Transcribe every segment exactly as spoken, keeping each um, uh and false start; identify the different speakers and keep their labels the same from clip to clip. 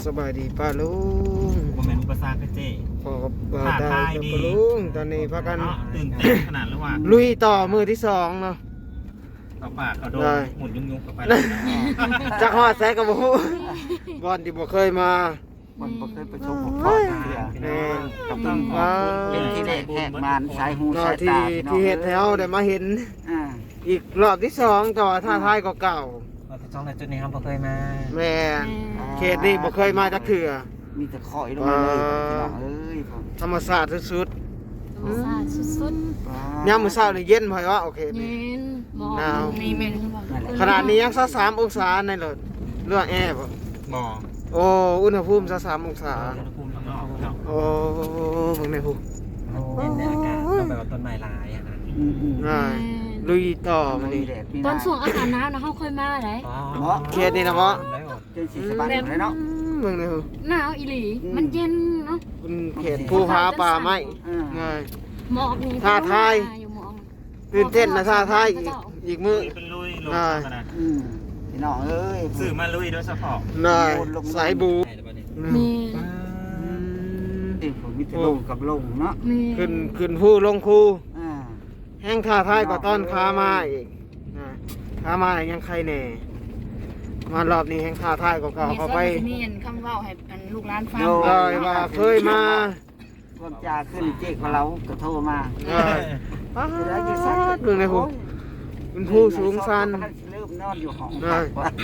Speaker 1: สบายดีป้าลุง
Speaker 2: ผมเป็นอุปสรรคเจ๊
Speaker 1: พอกับบ่าวได้กับป้าลุงตอนนี้พากัน
Speaker 2: ตื่นเต้นขนาดหรือว่า
Speaker 1: ลุยต่อมือที่สองเนาะ
Speaker 2: เอาปากเอาโดนหมุนยุ่งๆกับไป
Speaker 1: จักฮอดแซกกับบ่ฮู้บอนที่บ่เคยมา
Speaker 3: มันบ่เคยประสบพบพ่อเทื่อ
Speaker 1: แน่
Speaker 3: กับต้องเป็นที่แรกแหกมานสายหู
Speaker 1: เนาะ
Speaker 3: สาย
Speaker 1: ที่
Speaker 3: ตา
Speaker 1: ที่เฮ็ดให้เฮาได้มาเห็น
Speaker 3: อ่า
Speaker 1: อีกรอบที่สองต่อท่าทายก็เก่า
Speaker 2: เราจะจ้องในจุดนี้ครับเราเคยมา
Speaker 1: แม่นเขตนี้บ่เคยมาจักเทื่อ
Speaker 3: มีแต่คอยลงมาเลยพี่น้องเอ้ยผม
Speaker 1: ธรรมชาติสุด
Speaker 4: ธรรมชาติสุด
Speaker 1: ๆยามมื้อเช้านี่เย็นพอยว่าโอเค
Speaker 4: ๆ
Speaker 1: นี่
Speaker 4: เย็นหมอก
Speaker 1: หนาว
Speaker 4: มีแม่น
Speaker 1: ขนาดนี้ยังสักสามองศาในรถเรื่องแอร์บ่
Speaker 2: บ่อ
Speaker 1: โอ้อุณหภูมิสักสามองศา
Speaker 2: อุณหภูมิข้างนอกเนาะ
Speaker 1: โอ้เบิ่งในหู
Speaker 2: เย็นในอากาศต้องแบบว่าต้นไม้ลายอะนะ
Speaker 3: อืมอืม
Speaker 1: ง่ายลุยต่อมา
Speaker 3: มี
Speaker 1: นี่
Speaker 3: แดดมี
Speaker 4: ตอนช่วงอากาศหนาวนะเฮาค่อยมาได้
Speaker 1: เขตนี่นะบ่
Speaker 3: จนสิสบายเลยเนาะ
Speaker 1: เบิ่งในหู
Speaker 4: หนาวอีหลี มันเย็นเนาะ
Speaker 1: เป็นเขตภูผาป่าไม้
Speaker 3: อ่า
Speaker 1: ง่าย
Speaker 4: หมอกนี่
Speaker 1: ท่าทาย
Speaker 4: อยู่หมอก
Speaker 1: ตื่นเต้นนะท่าทายอีกอีกมื้อ
Speaker 2: เป็นลุยลงขนาด
Speaker 3: อืมพี่น้องเอ้ย
Speaker 2: สื่อมาลุยโดยเฉพาะ
Speaker 1: น่ายสายบู
Speaker 4: มี
Speaker 3: เอ้ยผมมีแต่ลงกับลงเนาะ
Speaker 4: มี
Speaker 1: ขึ้นขึ้นผู้ลงคู
Speaker 3: อ่า
Speaker 1: แห้งท่าทายกว่าต้อนขามาอีกนะขามายังใครแน่มารอบนี้แห้งท่าทายกว่าเก่าเข้าไป
Speaker 5: มีอันคำเว้าให้อันลูกหลานฟัง
Speaker 1: เลยว่าเคยมา
Speaker 3: ความจาขึ้นเจ๊กของเราก็โทรมา
Speaker 1: เลยป้าดเบิ่งในหูเป็นผู้สูงสัน
Speaker 3: เริ่มนอนอยู่ห้อง
Speaker 1: ได้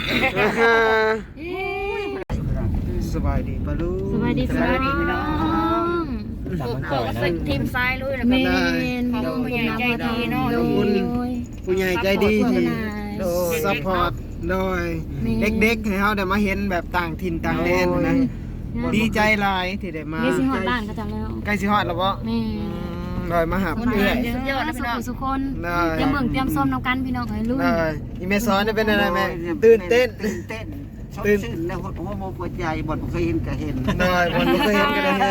Speaker 1: สบายดีปะลูก
Speaker 4: สบายดีสบายดีพี่น้อง
Speaker 2: จับมัน
Speaker 5: เอา
Speaker 2: ก่อยนะ
Speaker 5: ใส่ทีมซ้ายเลยแล้ว
Speaker 4: แม
Speaker 5: ก็
Speaker 4: น
Speaker 5: ขอบคุณผู้ใหญ่ใจดีเนาะ
Speaker 1: ขอบคุณผู้ใหญ่ใจดีที่ซัพพอร์ตโดยเด็กๆให้เขาได้มาเห็นแบบต่างถิ่นต่างแดนนะดีใจหลายที่ได้มา
Speaker 4: นี่สิฮอดบ้านก็จังแล้ว
Speaker 1: ใกล้สิฮอดแล้วบ่
Speaker 4: แม่
Speaker 1: โดยมาหา
Speaker 4: คน
Speaker 1: เพื่
Speaker 4: เอื้
Speaker 1: อ
Speaker 4: อน สุดยอดนะพี่น้องสุคน
Speaker 1: ได้
Speaker 4: เตรียมเบิ่งเตรียมส้มน้ำกันพี่น้องให้ลุ้น
Speaker 1: ได้อีเมซอนได้เป็นอะไรแม่ตื่นเต้น
Speaker 3: ตื่นเต้นชดชื่นในหัวหัวโมหัวใจบ่เคยเห็นก็เห็น
Speaker 1: ได้บ่เคยเห็นก็ได้เห็น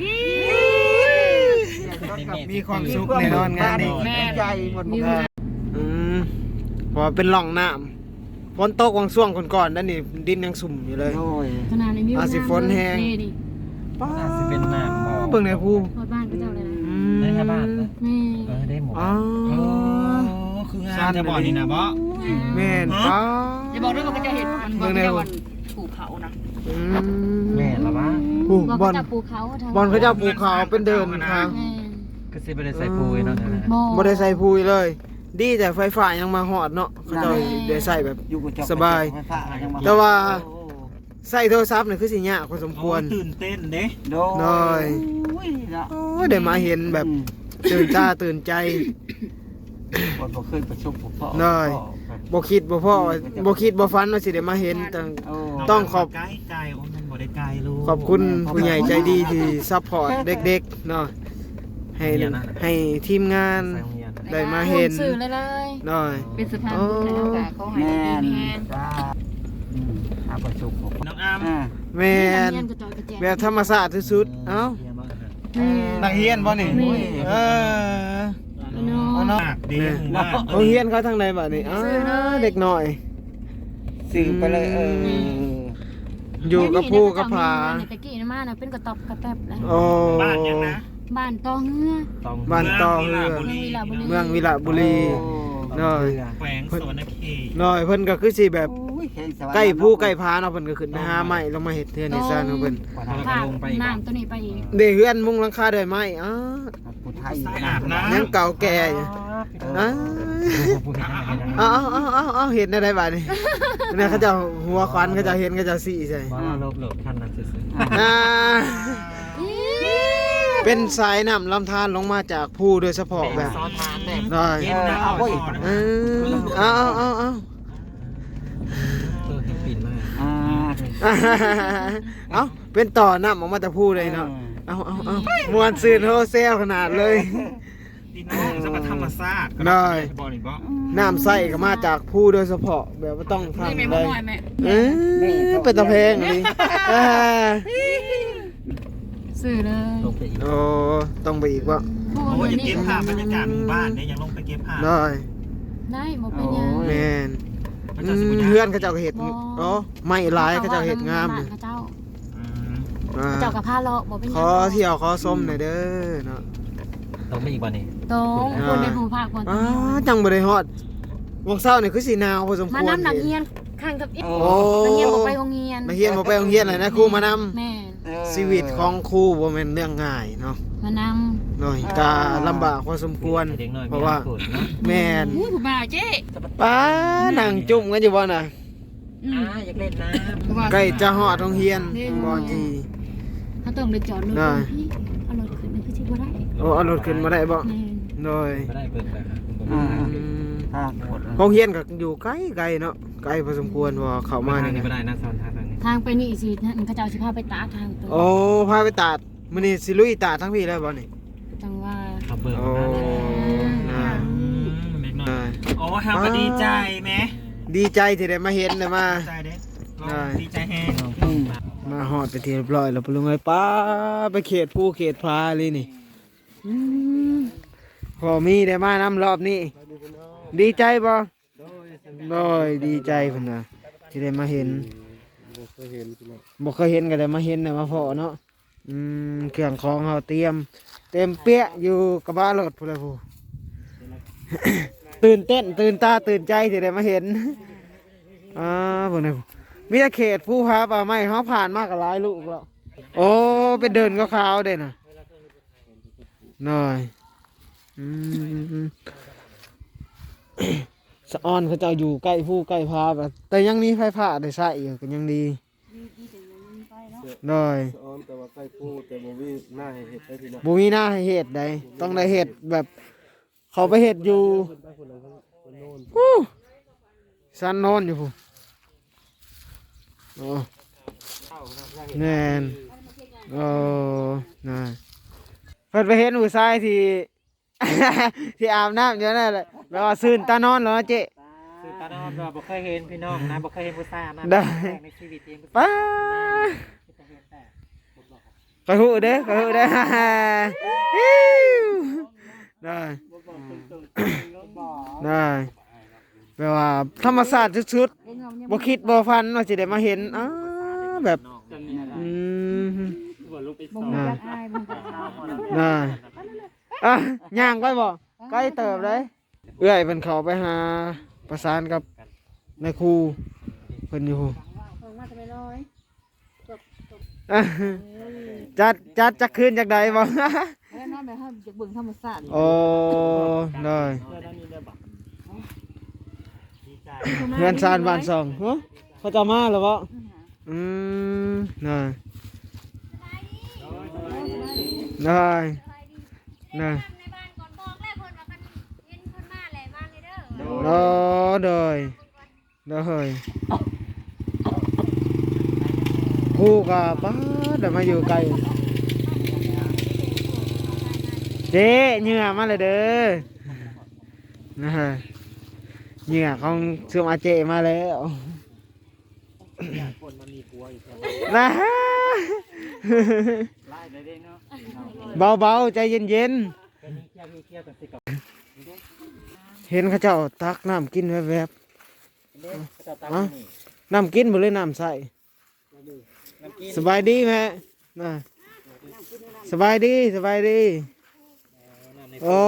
Speaker 1: มีความสุขแน่นอนงานนี้
Speaker 3: แม่ใจบ่เคย
Speaker 1: อืมเพอเป็นร่องน้ำฝนตกวังช่วงก่อนๆนั่นนี่ดินยังสุ่มอยู่เลย
Speaker 3: โอ้ย
Speaker 4: ขนาดในมิว
Speaker 1: อาสิฝนแห้ง
Speaker 4: นี่ดิ
Speaker 1: ป้า
Speaker 2: อาจจะเป็นน้ำบ่อ
Speaker 1: เบิ่งในภู
Speaker 4: ฮอดบ้านก็เจ้าเลยนะ
Speaker 1: อื
Speaker 2: ได้แค่บ้าน
Speaker 4: นี่
Speaker 2: เออได้หมด
Speaker 1: อ๋อ
Speaker 2: โอ้คืองานจะบ่อนี่นะบ่
Speaker 1: แม่นป้า
Speaker 5: อย่าบอกด้วยว่าก็จะเห็นมันบอกจะวันถูกเขานะ
Speaker 1: อื
Speaker 2: แม่ละวะ
Speaker 1: โอ้
Speaker 4: บอก
Speaker 1: บอล
Speaker 4: เขาจะปลูกเขาทาง
Speaker 1: บอลเขาเจ้าปลูกขาวเป็นเดินทาง
Speaker 4: แม่
Speaker 2: ก็สิไปได้ใส่ปุ๋ยเนาะนะ
Speaker 4: บ่
Speaker 1: บ่ได้ใส่พุยเลย ดีแต่ไฟฟ้ายังมาหอดเนาะเขาเจ้าได้ใส่แบบ
Speaker 3: อยู่กับเจ้
Speaker 1: สบาย
Speaker 3: ไฟฟ้ยังม
Speaker 1: แต่ว่า ใส่โทรศัพท์นี่คือสิยากพอสมควร
Speaker 2: ตื่นเต้นเด้
Speaker 3: โด
Speaker 1: น้อย
Speaker 3: โอ้ยเนาะ
Speaker 1: โอ้ยได้มาเห็นแบบตื่นตาตื่นใจ
Speaker 3: บ่บ่เคยประสบพบพ่อ
Speaker 1: น้อย บ่คิดบ่พ่อว่าบ่คิดบ่ฝันว่าสิได้มาเห็นแต่
Speaker 3: โอ้
Speaker 1: ต้องขอบ
Speaker 2: ไกลไกลโอ้มันบ่ได้ไกลลูก
Speaker 1: ขอบคุณผู้ใหญ่ใจดีที่ซัพพอร์ตเด็กๆเนาะให้ให้ทีมงาน
Speaker 2: ใส่โรงเรียน
Speaker 1: ได้มาเห็น
Speaker 4: สื่อเลยเลย
Speaker 1: หน่อย
Speaker 5: เป็นสภาพบุญแล้วก็เขาให้
Speaker 3: แม่น
Speaker 5: ดีแฮน
Speaker 3: จ้าอืมหาประสบพบพ่อ
Speaker 2: น้องอาม
Speaker 3: อ่า
Speaker 1: แม่น
Speaker 4: เรียนกระจอยกระแจง
Speaker 1: แบบธรรมชาติที่สุดเอ้า
Speaker 4: แม่
Speaker 1: นักเรียนบ่นี่
Speaker 4: แม่
Speaker 1: เออ
Speaker 4: เนาะ
Speaker 1: เอาเนาะ
Speaker 2: ดีหมู่บ้าน
Speaker 1: โรงเรียนเขาทางใดบัดนี้อ้าเด็กน้อย
Speaker 3: สื่อไปเลยเออ
Speaker 1: อยู่กับผู้กับผา
Speaker 4: ตะกี้นะมาน่ะเป็นกระตอบกระแตบเลย
Speaker 1: โอ้
Speaker 2: บ้านยังนะ
Speaker 4: บ้านตอเฮือ
Speaker 1: บ้านต่อเรือ เมืองวิระบุรี น้อย
Speaker 2: แขวงสวรรณเขต
Speaker 1: น้อยเพิ่นก็คือสิแบบ
Speaker 3: โอ้ยแข่งสวรรค์
Speaker 1: ใกล้ผู้ใกล้ผาเนาะเพิ่นก็ขึ้นไปหาไม้ลงมาเฮ็ดเทือนให้ซ่านของเพิ่น
Speaker 4: ภาพน้ำตัวนี้ไปอีก
Speaker 1: ได้เฮือนมุงหลังคาด้วยไม้อ้า
Speaker 3: ผู้ไทย
Speaker 2: อาบน้ำ
Speaker 1: ยังเก่าแก่อยู่อ้าเอาเอาเอาเอาเอาเห็นได้บัดนี้เนี่ยเขาเจะหัวควันเขาเจะเห็นเขาเจะสีใส่
Speaker 2: ว่าลบหลบท่านนั้นซื่อ
Speaker 1: อ่าเป็นสายน้ำลำธารลงมาจากภูโดยเฉพาะแบบ
Speaker 2: ซอทานแน่
Speaker 1: ได้
Speaker 2: เย็นนะเอาไว้
Speaker 1: เออเอาเอาเอาเอา
Speaker 2: เออให้ปิ่นมาก
Speaker 3: อ่า
Speaker 1: เอาเป็นต่อน้ำออกมาจากภูเลยเนาะเอาเอาเอามวนซื่นโฮเซลขนาดเลย
Speaker 2: พี่น้องสัมปธรรมศาสตร์
Speaker 1: ได้
Speaker 2: บอลอีกบ่
Speaker 1: น้ำใส่ก็มาจากภูโดยเฉพาะแบบว่าต้อง
Speaker 5: นี่
Speaker 1: ทำ
Speaker 5: แม่
Speaker 1: ได้
Speaker 5: บ่น้อยแม่
Speaker 1: เออเป็นตะเพงเลยอ่า
Speaker 4: สื่อเลย
Speaker 2: ลงไปอีก
Speaker 1: โอ้ต้องไปอีกว่า
Speaker 4: ผู้
Speaker 2: โอ้ย
Speaker 4: เรี
Speaker 2: ยั
Speaker 4: ย
Speaker 2: ง
Speaker 4: น
Speaker 2: เก็
Speaker 4: นี่
Speaker 2: บภาพบรรยากาศหมู่บ้านเนี่ยยังลงไปเก็บภาพ
Speaker 1: ได้
Speaker 4: ได้หมดเป็นยัง
Speaker 1: แมน
Speaker 2: มัน
Speaker 1: อื
Speaker 2: จะสิบ
Speaker 1: ม
Speaker 2: ย่าง
Speaker 1: เพื่อนเขาเจ้าก็เห็ดอ๋อไม่ร้ายเขาเจ้าเห็ดงาม
Speaker 4: เล
Speaker 1: เลย ย
Speaker 4: เขาเจ้า
Speaker 2: อื
Speaker 1: อ่า
Speaker 4: เจ้ากับผ้าเลาะบ่เป็นห
Speaker 1: ข
Speaker 4: ยัง
Speaker 1: อเที่ยวขอส้มหน่อยเด้อเนาะ
Speaker 2: ต้องไม่อีกวันนี้
Speaker 4: ตรงคนในภูมิภาคคน
Speaker 1: อ้าจังบ่ได้ฮอดวงเช้านี่คือสิหนาวพอสมควร
Speaker 4: มาน้ำหนักเฮียนข้างกับอีก
Speaker 1: โอ้
Speaker 4: นักเฮียนบ่ไปโรงเรียน
Speaker 1: มาเฮียนบ่ไปโรงเรียนเลยนะครูมานำ
Speaker 4: แม่น
Speaker 1: ชีวิตของครูบ่แม่นเรื่องง่ายเนาะ
Speaker 4: มาน
Speaker 1: หน่อยก็ลำบากพอสมควร
Speaker 2: เด็กน้อย
Speaker 1: เพราะว่า
Speaker 2: มีอนาคตเนาะ
Speaker 1: แม่น
Speaker 5: อู้ผู้บ่าวเจ๊
Speaker 1: ป้านั่งจุ่มกันอยู่บ่น่ะ
Speaker 5: อืม
Speaker 2: อ่าอยากเล่นน้
Speaker 5: ผู้บ่าว
Speaker 1: ใกล้จะฮอดโรงเรียนบ่จี
Speaker 4: ำเขาต้องไปจอดรถ
Speaker 1: ได้
Speaker 4: พี่เอารถขึ้นนี่คือสิบ่ได้
Speaker 1: โอ้เอารถขึ้นมาได้บ่
Speaker 4: แม่น
Speaker 1: โดย
Speaker 2: ำไม่ได้เปิดไปครับ
Speaker 3: อ่า
Speaker 1: อืม
Speaker 3: ทางหมด
Speaker 1: โรงเรียนก็อยู่ไกลไกลเนาะไกลพอสมควรว่าเข้ามา
Speaker 2: ทาง
Speaker 1: นี่
Speaker 2: นี้ไม่
Speaker 1: นะ
Speaker 2: ได้นะซ้อนทางนี้
Speaker 4: ทางไปนี่สินั่นเขาเจ้าสิพาไปตากทางตัว
Speaker 1: โอ้พาไปตัดมื้อนี้สิลุยตัดทั้งพี่เลยบ่นี่
Speaker 4: จังว่า
Speaker 2: ขับเบิร์
Speaker 1: โอ้น่า
Speaker 2: เด็กน้อ
Speaker 1: น่าย
Speaker 2: โอ้ทำก็ดีใจไหม
Speaker 1: ดีใจที่ได้มาเห็นได้มา
Speaker 2: ใจเด็ก
Speaker 1: ได้
Speaker 2: ดีใจแฮง
Speaker 1: มาฮอดไปที่เรียบร้อยแล้วปลุงไอ้ป้าไปเขตภูเขตพาเลยนี่อืมพอมีได้มานำรอบนี้ ดีใจบ่โดยดีใจเพิ่นน่ะที่ได้มาเห็นบ่เคยเห็นก็ได้มาเห็นได้มาพอเนาะอืมเครื่องของเฮาเตรียม เต็มเปี้ยอยู่กระบะรถพุ่นละผู้ ตื่นเต้นตื่นตาตื่นใจที่ได้มาเห็นอ่าพุ่นน่ะมีแต่เขตภูผาป่าไม้เฮาผ่านมากก็หลายลูกแล้วโอ้ไปเดินขาวๆเด้น่ะน้อยอืม สะออนเขาเจะอยู่ใกล้ผู้ใกล้พาแบบแต่ยังมีไฟฟ้าได้ใช้อยู่ก็ยังดีได้
Speaker 6: อ้อมแต่ว่าใกล้พูดแต่บ่มีหน้าให้เฮ็ดได้พี่น้อง
Speaker 1: บ่มีหน้าให้เฮ็ดใดต้องได้เฮ็ดแบบ เขาไปเฮ็ดอยู่ฮู้สันโนนอยู่ผู้โอ้แน่นโอ้น่ะเพิ่นไปเห็นผู้ชายที่ ที่อาบน้ำอยู่นั่นแหละแปลว่าซื่นตานอนเหรอเจ๊
Speaker 2: คือตาดอนเราบ่เคยเห็นพี่น้องนะบ่เคยเห็นผู้ชายนะ
Speaker 1: ได้
Speaker 2: ในชีวิตเอง
Speaker 1: ป้าคอยหูเด้อคอยหูเด้อ ได้ได้แปลว่าธรรมศาสตร์สุดๆบ่คิดบ่ฟันว่าสิได้มาเห็นอ้าแบบอืม
Speaker 4: บ่มีจักอายบ่มีจักอาย
Speaker 1: ได้อ่ะย่างไปบ่ใกล้เติบเลยเอื้อยเพิ่นเข้าไปหาประสานกับนายครูเพิ่นอยู่
Speaker 4: เพิ่นมาแต่ไม่น้อย
Speaker 1: อ่ะจัดจัดจักคืนจักใดบ่
Speaker 5: แล้วนอนแบบให้จากเบิ่งธรรมชาติ
Speaker 1: โอ้ได้เงินซานบ้านสองฮะเขาจะมาหรือเปล่าอืมได้ได้ได้
Speaker 7: ในบ้านก่อนบอกแล้วเพิ่นว่ากันเห็นเพิ่นมาแหละมาเลยเด้อ
Speaker 1: โอ้ได้ได้ครูกับป้าเดี๋ยวมาอยู่ไกลเจ๊เหงื่อมาเลยเด้อนะฮะเหงื่อของเสื่อมอาเจมาแล้วนะฮะเบาๆใจเย็นๆเห็นเขาเจ้าตักน้ำกินแวบๆอ่ะน้ำกินบ่เลยน้ำใส่สบายดีแม่น่ะสบายดีสบายดีโอ้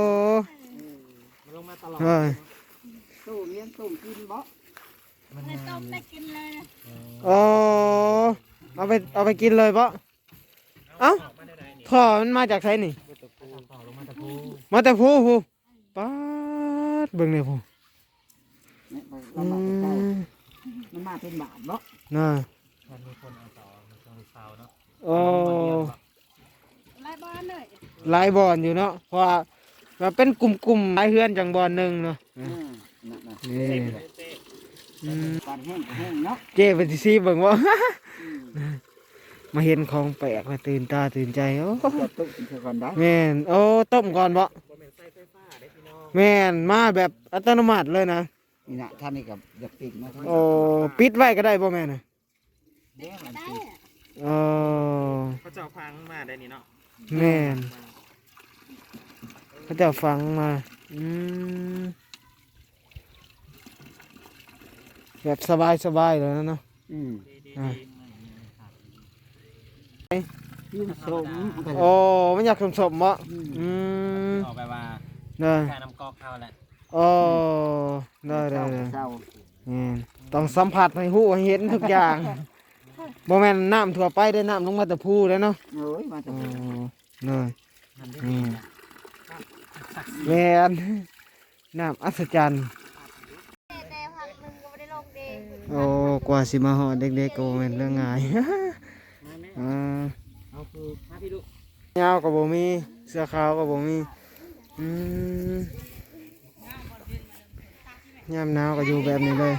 Speaker 1: เฮ้ย
Speaker 3: ตู้เลี้ยงตู้กินบ่
Speaker 7: ต้มได้กินเลยนะ
Speaker 1: โอ้เอาไปเอาไปกินเลยปะเอ้าท่อมันมาจากไสนี่มาแต่ภูภูป๊าดเบิ่งเลยภู
Speaker 3: เนี่ยไป
Speaker 1: อื
Speaker 3: ลำบากใกล้
Speaker 1: ม
Speaker 3: มันมาเป็นบาทบ่
Speaker 1: น่ะโอ้
Speaker 7: ไล่บ้านเลย
Speaker 1: หลายบอนอยู่เนาะเพราะว่าว่าเป็นกลุ่มๆหลายเฮือนจังบอนหนึ่งเนาะ
Speaker 3: อืมนั่นน่ะ
Speaker 1: นี่อืม
Speaker 3: ปานแห้งก็แห้งเนาะ
Speaker 1: เจ๊เป็นสิซีเบิ่งว่า มาเห็นของแปลกมาตื่นตาตื่นใจโอ้
Speaker 3: จะตู้กินก่อนได้
Speaker 1: แม่นโอ้ต้มก่อนบ่แม่นมาแบบอัตโนมัติเลยนะ
Speaker 3: นี่นะท่านนี่กับอยากปิดมาทั้ง
Speaker 1: โอ้ปิดไว้ก็ได้บ่แม่น่ะ
Speaker 3: เด้มันปิด
Speaker 1: โอ้
Speaker 2: เขาเจ้าพังมาได้นี่เนาะ
Speaker 1: แม่นเขาจะฟังมาอืมแบบสบายสบายเลยนะเนาะ
Speaker 3: อืม
Speaker 1: อ่ะ
Speaker 3: ยิ่งสม
Speaker 1: โอ้มันอยากสมๆบ่อืม
Speaker 2: ออกไปว่า
Speaker 1: เด้อ
Speaker 2: การนำกอกเข้าแหละ
Speaker 1: โอ้ได้ได้ได้
Speaker 3: เศร้า
Speaker 1: อืมต้องสัมผัสให้ฮู้ให้เห็นทุกอย่างบ่แม่นน้ำทั่วไปได้น้ำลงมาแต่ภูแล้วเนาะ
Speaker 3: เอ้ยมาจาก
Speaker 1: โอ้เลยอืมแม่นน้ำอัศจรรย์
Speaker 7: แต่พักหนึงก็ไม่ได้ลงเดง
Speaker 1: โอ้กว่าสิมาฮอดเด็กๆก็บ่แม่นเรื่องง่าย อ่า
Speaker 2: เอาคือมาพี่ลูก
Speaker 1: ยาวก็บ่มีเสื้อขาวก็บ่มีอืมยามหนาวก็อยู่แบบนี้เลย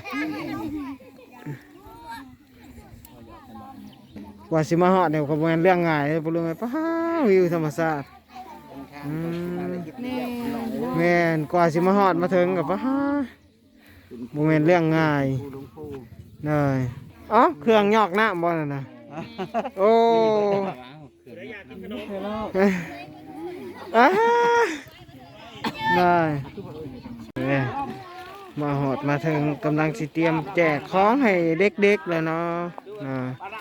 Speaker 1: กว่าสิมาฮอดเนี่ยก็บ่แม่นเรื่องง่ายเลยบ่รู้ไงป้าวิวธรรมชาติอืมแม่นกว่าสิมาฮอดมาถึงก็ป้าบ่แม่นเรื่องง่ายเลยอ๋อเครื่องยอกน้ำบ่นั่นน่ะโอ้อ่าได้เอ้ยมาหอดมาถึงกำลังสิเตรียมแจกของให้เด็กๆแล้วเนาะน่ะ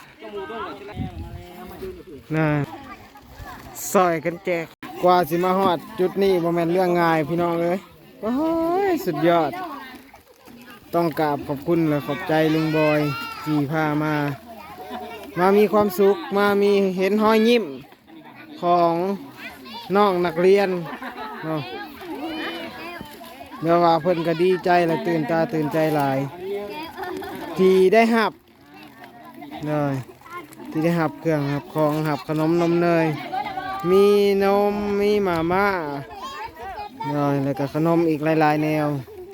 Speaker 1: น่ะซอยกันแจกกว่าสิมาหอดจุดนี้บ่แม่นเรื่องง่ายพี่น้องเอ้ยโอ้ยสุดยอดต้องกราบขอบคุณและขอบใจลุงบอยที่พามา มามีความสุขมามีเห็นห้อยยิ้มของน้องนักเรียนเนาะเดี๋ยวว่าเพิ่นก็ดีใจและตื่นตาตื่นใจหลาย ที่ได้หับเลยที่ได้หับเครื่องหับของหับขนมนมเนยมีนมมีหมาม่าเลยแล้วก็ขนมอีกหลายๆแนว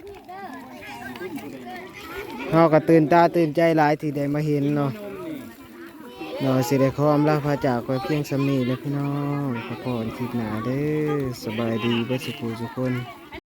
Speaker 1: เราก็ตื่นตาตื่นใจหลายที่ได้มาเห็นเนาะเราสิได้ขออำลาพาจากไปเพียงสำนีเลยพี่น้องขอพรคลิปหนาเด้อสบายดีเบิดสุขทุกคน